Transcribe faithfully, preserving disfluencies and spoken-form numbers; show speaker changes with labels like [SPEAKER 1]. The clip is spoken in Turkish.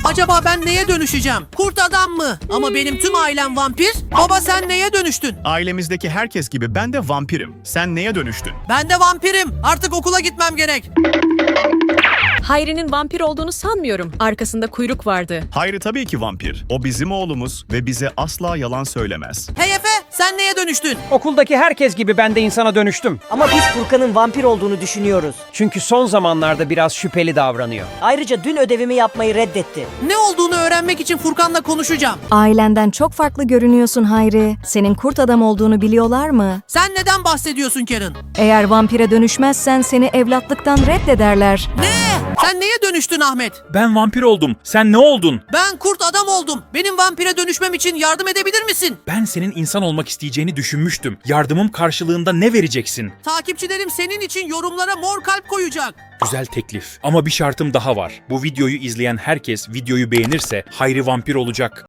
[SPEAKER 1] Acaba ben neye dönüşeceğim? Kurt adam mı? Ama benim tüm ailem vampir. Baba sen neye dönüştün?
[SPEAKER 2] Ailemizdeki herkes gibi ben de vampirim. Sen neye dönüştün?
[SPEAKER 1] Ben de vampirim. Artık okula gitmem gerek.
[SPEAKER 3] Hayri'nin vampir olduğunu sanmıyorum. Arkasında kuyruk vardı.
[SPEAKER 2] Hayri tabii ki vampir. O bizim oğlumuz ve bize asla yalan söylemez.
[SPEAKER 1] Hey Efe, sen neye dönüştün?
[SPEAKER 4] Okuldaki herkes gibi ben de insana dönüştüm.
[SPEAKER 5] Ama biz Furkan'ın vampir olduğunu düşünüyoruz.
[SPEAKER 4] Çünkü son zamanlarda biraz şüpheli davranıyor.
[SPEAKER 5] Ayrıca dün ödevimi yapmayı reddetti.
[SPEAKER 1] Ne olduğunu öğrenmek için Furkan'la konuşacağım.
[SPEAKER 6] Ailenden çok farklı görünüyorsun Hayri. Senin kurt adam olduğunu biliyorlar mı?
[SPEAKER 1] Sen neden bahsediyorsun Karen?
[SPEAKER 6] Eğer vampire dönüşmezsen seni evlatlıktan reddederler.
[SPEAKER 1] Ne? Sen neye dönüştün Ahmet?
[SPEAKER 7] Ben vampir oldum. Sen ne oldun?
[SPEAKER 1] Ben kurt adam oldum. Benim vampire dönüşmem için yardım edebilir misin?
[SPEAKER 7] Ben senin insan olmak isteyeceğini düşünmüştüm. Yardımım karşılığında ne vereceksin?
[SPEAKER 1] Takipçilerim senin için yorumlara mor kalp koyacak.
[SPEAKER 7] Güzel teklif. Ama bir şartım daha var. Bu videoyu izleyen herkes videoyu beğenirse Hayri vampir olacak.